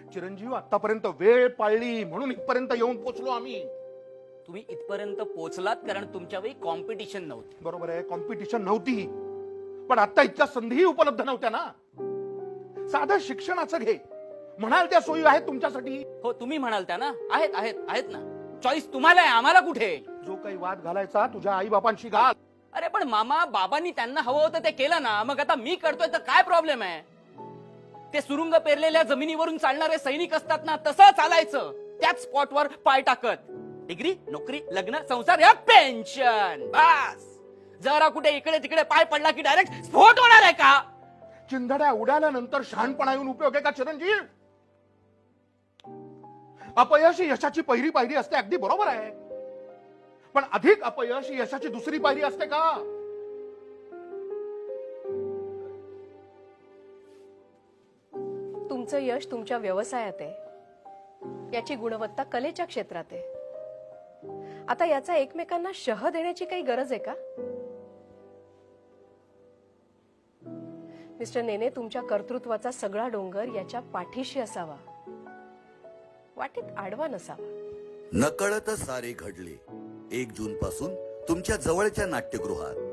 चिरंजीव, आतापर्यंत वेळ पाळली म्हणून इथपर्यंत येऊन पोहोचलो आम्ही. तुम्ही इथपर्यंत पोहोचलात कारण तुमच्या वेळी कॉम्पिटिशन नव्हती. बरोबर आहे, कॉम्पिटिशन नव्हती, पण आता इतक्या संधीही उपलब्ध नव्हत्या ना. साधं शिक्षणाचं घे, म्हणाल त्या सोयी आहेत तुमच्यासाठी. हो, तुम्ही म्हणाल त्या ना, आहेत आहेत आहेत ना. चॉईस तुम्हाला आहे, आम्हाला कुठे. जो काही वाद घालायचा तुझ्या आई बापांशी घाल. अरे पण मामा, बाबांनी त्यांना हवं होतं ते केलं ना, मग आता मी करतोय तर काय प्रॉब्लेम आहे. ते सुरुंग पेरलेल्या जमिनीवरून चालणारे सैनिक असतात ना, तसं चालायचं. त्याच स्पॉटवर पाय टाकत. डिग्री, नोकरी, लग्न, संसार या पेन्शन, बस. जरा कुठे इकडे तिकडे पाय पडला की डायरेक्ट स्फोट होणार आहे का. चिंधड्या उडाल्यानंतर शहाणपणा येऊन उपयोग आहे का चिरंजीव. अपयश ही यशाची पहिली पायरी असते, अगदी बरोबर आहे, पण अधिक अपयश ही यशाची दुसरी पायरी असते का. तुमचं यश तुमच्या व्यवसायात आहे, याची गुणवत्ता कलेच्या क्षेत्रात आहे. आता याचा एकमेकांना शह देण्याची काही गरज आहे का. मिस्टर नेने, तुमच्या कर्तृत्वाचा सगळा डोंगर याच्या पाठीशी असावा, वाटेत आडवा नसावा. नकळत सारे घडले 1 जून पासून तुमच्या जवळच्या नाट्यगृहात.